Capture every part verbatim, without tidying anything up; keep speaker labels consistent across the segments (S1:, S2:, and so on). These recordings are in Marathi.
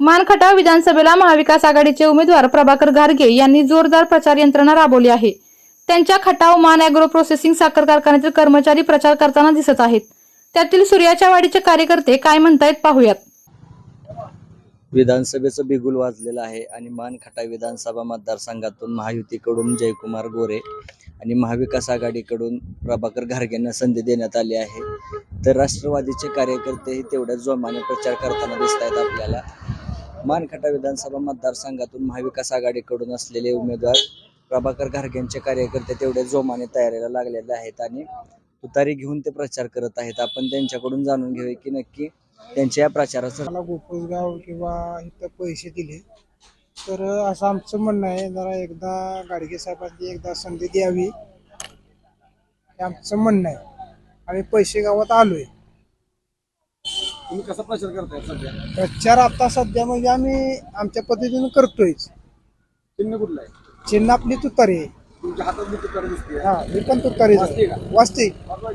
S1: मानखटाव विधानसभेला महाविकास आघाडीचे उमेदवार प्रभाकर घारगे यांनी जोरदार प्रचार यंत्रणा राबवली आहे। त्यांच्या खटाव मान ॲग्रो प्रोसेसिंग साखर कारखान्यातील कर्मचारी प्रचार करताना दिसत आहेत। त्यातील सूर्याच्या वाडीचे कार्यकर्ते काय म्हणतायत पाहूयात।
S2: विधानसभेचं बिगुल वाजलेलं आहे आणि मानखटाव विधानसभा मतदारसंघातून महायुतीकडून जयकुमार गोरे आणि महाविकास आघाडीकडून प्रभाकर घारगेंना संधी देण्यात आली आहे। तर राष्ट्रवादीचे कार्यकर्तेही तेवढ्याच जोमाने प्रचार करताना दिसत आहेत। आपल्याला मानखटाव विधानसभा मतदारसंघातून महाविकास आघाडीकडून असलेले उमेदवार प्रभाकर घारगेंचे कार्यकर्ते तेवढ्या जोमाने तयारीला लागलेले आहेत आणि तुतारी घेऊन ते प्रचार करत आहेत। आपण त्यांच्याकडून जाणून घेऊया की नक्की त्यांच्या या प्रचाराचं
S3: मला गोकुळगाव किंवा इथं पैसे दिले तर असं आमचं म्हणणं आहे, जरा एकदा गाडगे साहेबांनी एकदा संधी द्यावी हे आमचं म्हणणं आहे। आम्ही पैसे गावात आलोय।
S4: तुम्ही कसा प्रचार करताय सध्या?
S3: प्रचार आता सध्या म्हणजे आम्ही आमच्या पद्धतीने करतोय।
S4: चिन्ह कुठलं आहे?
S3: चिन्ह आपली तुतारी आहे।
S4: तुमच्या हातात मी तुतारी दिसते.
S3: हा, मी पण तुतारी
S4: वाजते का?
S3: वाजते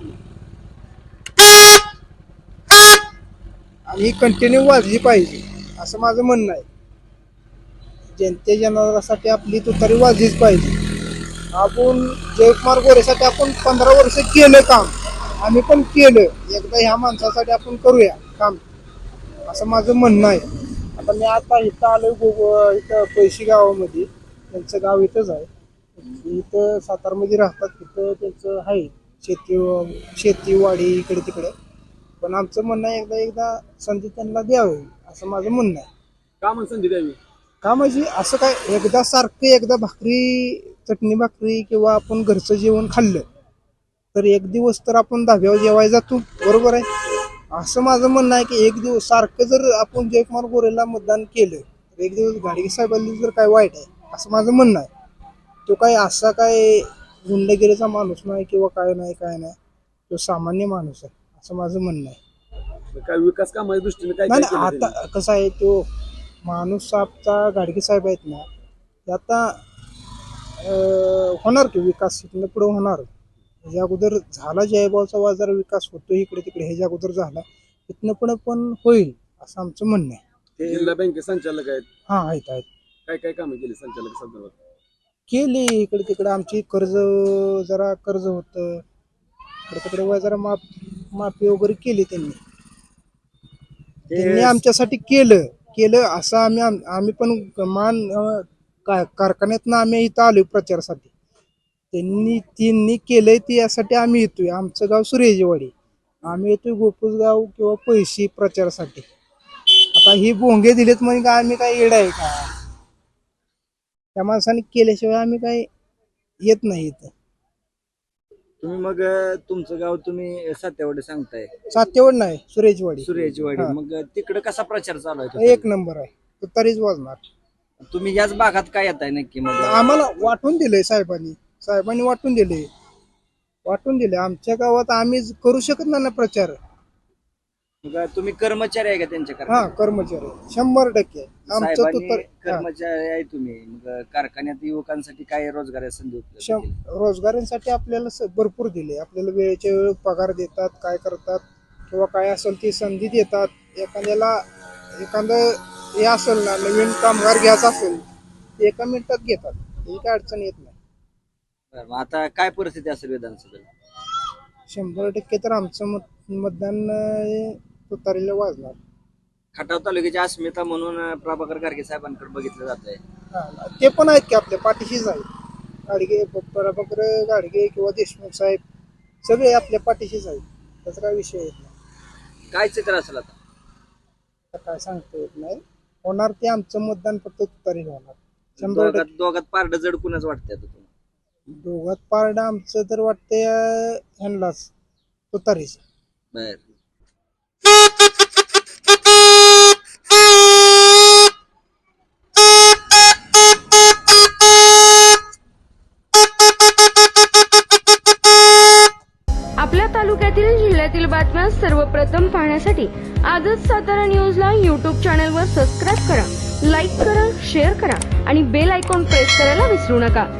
S3: आणि कंटिन्यू वाजली पाहिजे असं माझं म्हणणं आहे। जनते जनावरांसाठी आपली तुतारी वाजलीच पाहिजे। आपण जयकुमार गोरेसाठी आपण पंधरा वर्ष केलं काम, आम्ही पण केलं, एकदा ह्या माणसासाठी आपण करूया काम असं माझं म्हणणं आहे। आता मी आता इथं आलोय गो इथं पैसे गावामध्ये, त्यांचं गाव इथंच आहे। इथं सातारमध्ये राहतात, तिथं त्यांचं आहे शेती शेतीवाडी इकडे तिकडे। पण आमचं म्हणणं आहे एकदा एकदा संधी त्यांना द्यावी असं माझं म्हणणं आहे।
S4: का म्हणून संधी द्यावी?
S3: का म्हणजे असं काय एकदा सारखं एकदा भाकरी चटणी भाकरी किंवा आपण घरचं जेवण खाल्लं तर एक दिवस तर आपण धाब्यावर जेवायला जातो, बरोबर आहे। असं माझं म्हणणं आहे की एक दिवस सारखं जर आपण जयकुमार गोरेला मतदान केलं तर एक दिवस घाडगे साहेबांनी जर काय वाईट आहे असं माझं म्हणणं आहे। तो काय असा काय गुंडगिरीचा माणूस नाही किंवा काय नाही काय नाही, तो सामान्य माणूस आहे असं माझं म्हणणं आहे।
S4: काय विकास कामाच्या दृष्टीने काय
S3: नाही
S4: काय
S3: नाही,
S4: केलं
S3: आता कसं आहे, तो माणूस साहेबचा घाडगे साहेब आहेत ना, ते आता होणार की विकास इथनं पुढे होणार। ह्याच्या अगोदर झाला जयभावचा बाजार विकास होतो इकडे तिकडे, ह्याच्या अगोदर झाला, इथनं पुढे पण होईल असं आमचं म्हणणं आहे।
S4: त्यांनी? जिल्हा बँके संचालक आहेत,
S3: हा आहेत आहेत
S4: काय काय कामं केली संचालक संदर्भात?
S3: केली इकडे तिकडे, आमची कर्ज जरा कर्ज होतं इकडे तिकडे वय जरा माफ माफी वगैरे केली त्यांनी त्यांनी आमच्यासाठी केलं केलं असं आम्ही आम्ही पण मान काय कारखान्यातनं आम्ही इथं आलो प्रचारासाठी। त्यांनी त्यांनी केलंय ते यासाठी आम्ही येतोय। आमचं गाव सूर्याचीवाडी, आम्ही येतोय गोकुळगाव किंवा पैसे प्रचारासाठी। आता ही भोंगे दिलेत म्हणजे काय आम्ही काय येड आहे का? त्या माणसाने केल्याशिवाय आम्ही काय येत नाही इथं।
S2: तुम्ही मग तुमचं गाव तुम्ही सातेवाडी सांगताय?
S3: सातेवाड नाही, सूर्याचीवाडी
S2: सूर्याचीवाडी।
S3: हा.
S2: मग तिकडे कसा प्रचार चालू आहे?
S3: एक नंबर आहे, तुतारीच वाजणार।
S2: तुम्ही याच भागात काय येत आहे नक्की? मग
S3: आम्हाला वाटून दिले साहेबांनी साहेबांनी वाटून दिले वाटून दिले आमच्या गावात आम्ही करू शकत नाही ना प्रचार।
S2: मग तुम्ही कर्मचारी आहे का त्यांच्या
S3: हा,
S2: कारखान्यात?
S3: कर्मचारी शंभर टक्के आमचं
S2: साहेबांनी
S3: तुतारी हा.
S2: कर्मचारी आहे तुम्ही, मग कारखान्यात युवकांसाठी काय रोजगार संधी उपलब्ध
S3: शं-
S2: केली?
S3: रोजगारांसाठी आपल्याला स- भरपूर दिले। आपल्याला वेळेच्या वेळ पगार देतात, काय करतात किंवा काय असेल ती संधी देतात। एखाद्याला एखादं हे असेल ना, नवीन कामगार घ्यायचा असेल ते एका मिनिटात घेतात, ही काय अडचण येत नाही।
S2: बरं, मग आता काय परिस्थिती असेल विधानसभेला?
S3: शंभर टक्के तर आमचं मत मतदान अं, तुतारीला वाजणार।
S2: खटाव तालुक्याची अस्मिता म्हणून प्रभाकर घारगे साहेबांकडे बघितलं जात आहे।
S3: हा, ते पण आहेत की आपल्या पाठीशीच आहेत। गाडगे प्रभाकर गाडगे किंवा देशमुख साहेब सगळे आपल्या पाठीशीच आहेत, त्याचा काय विषय येत नाही।
S2: काय चित्र असेल आता?
S3: आता काय सांगता येत नाही, होणार ते आमचं मतदान फक्त तुतारी होणार शंभर
S2: दोघात
S3: टक्के।
S2: दोघात पारड जड कुणाच वाटतंय आता तुम्हाला?
S3: दोघात पारडं आमचं तर वाटतंय अं, ह्यांनाच तुतारीच।
S2: बर,
S5: आपल्या तालुक्यातील जिल्ह्यातील बातम्या सर्वप्रथम पाहण्यासाठी आजच सातारा न्यूजला यूट्यूब चॅनलवर सबस्क्राईब करा, लाईक करा, शेअर करा आणि बेल आयकॉन प्रेस करायला विसरू नका।